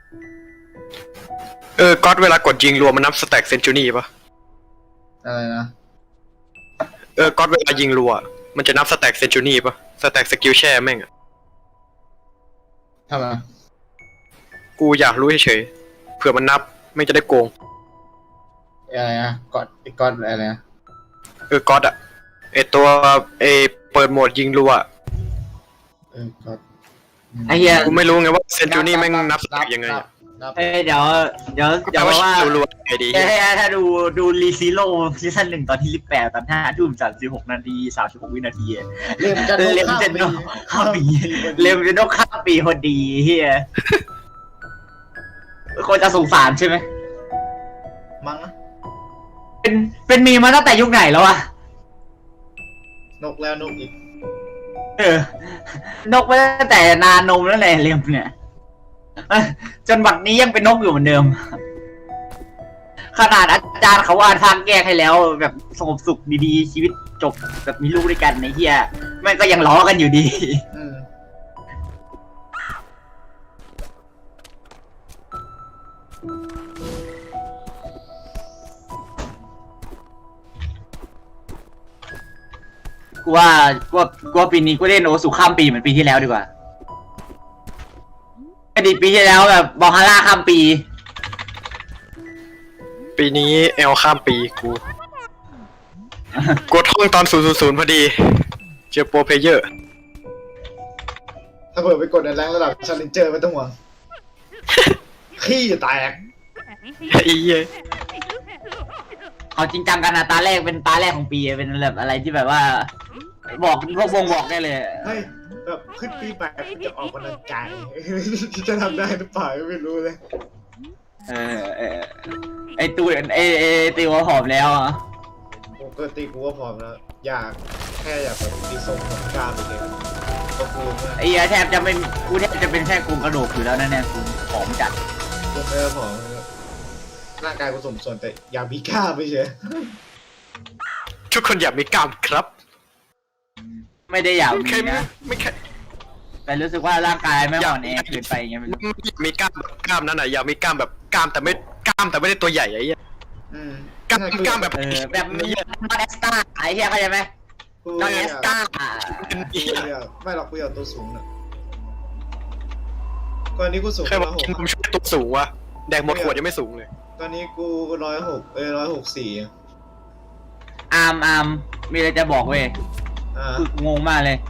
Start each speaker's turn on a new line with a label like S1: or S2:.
S1: ก๊อตเวลากดยิงรวมมันนับสแต็กเซนจูรี่ปะ
S2: อะไรนะ
S1: ก๊อตเวลายิงรัวมันจะนับสแต็กเซนจูรี่ปะสแต็กสกิลแช่แม่งอะ
S2: ทำไม
S1: กูอยากรู้เฉยๆเผื่อมันนับไม่จะได้โกง
S2: อะไรนะกอดอะไรนะ
S1: ก๊อตอะตัวเปิดโหมดยิงรัว
S2: กอด
S3: ไอ้เหี้ย
S1: กูไม่รู้ไงว่าเซนจูรี่แม่งนับสแต็กยังไงอะ
S3: เดี๋ยวว่า
S1: รัวๆไงดี
S3: ถ้าดูรีซิโร่ซีซั่น1ตอนที่18ตอน5:36 นาที36 วินาที
S2: เล่มจะนก
S3: ข้ามปีเล่มจะนกข้ามปีพอดีเฮียคนจะสงสารใช่ไหม
S2: มั้งนะ
S3: เป็นมีมาตั้งแต่ยุคไหนแล้วอะ
S2: นกแล้วนกอีก
S3: นกมาตั้งแต่นานนมแล้วแหละเล่มเนี่ยจนบัดนี้ยังเป็นนกอยู่เหมือนเดิมขนาดอาจารย์เขาวาดทางแก้ให้แล้วแบบสงบสุขดีๆชีวิตจบแบบมีลูกด้วยกันในเฮียแม่งก็ยังล้อกันอยู่ดีกูว่าปีนี้กูเล่นโอสุข้ามปีเหมือนปีที่แล้วดีกว่าอดีตปีที่แล้วแบบบอลฮาร่าข้ามปี
S1: ปีนี้ข้ามปีกูกดห้องตอน000พอดีเจอโปรเพลเยอร์
S2: ถ้าเผื่อไปกดในแรงระดับชาเลนเจอร์ไม่ต้องห่วงขี้แตก
S3: เขาจริงจังกันนะตาแรกเป็นตาแรกของปีเป็นแบบอะไรที่แบบว่าบอกพวกวงบอกได้เลย
S2: เฮ้ยแบบขึ้นปีใหม่จะออกกำลังกายจะทำได้หรือเปล่าไม่รู้เลย
S3: ไอตัวตีว่าผอมแล้วอ่ะ
S2: ปกติกูก็ผอมแล้วแค่อยากแบบมีทรงของกล้ามเลยก็กู
S3: ไอ้แทบจะเป็นกูแทบจะเป็นแค่กลุ่มกระดูกอยู่แล้วนั่นเนี่ยกูผอมจัด
S2: กูไม่ได้ผอมร่างกายกูสมส่วนแต่อยากมีกล้ามไม่ใช่
S1: ทุกคนอยากมีกล้ามครับ
S3: ไม่ได้อยากมีนะ
S1: ไม่แค่
S3: แต่รู้สึกว่าร่างกายไม่อ่อนแอเกินไปไงไม่รู้
S1: มีกล้ามนั่นน่ะอยากมีกล้ามแบบกล้ามแต่ไม่ได้ตัวใหญ่ไอ้เหี้ยกล้ามแบบ
S3: มาเอสตาไอ้เหี้ยเข้าใจไหมมาเอสตา
S2: ไม่หรอกกูอยากตัวสูงน่ะตอนนี้กูสูง
S1: แค่ว่าผมช่วยตัวสูงวะแดงหมดขวดยังไม่สูงเลย
S2: ตอนนี้กู164
S3: อาร์มมีอะไรจะบอกเว้ยคืองงมากเลย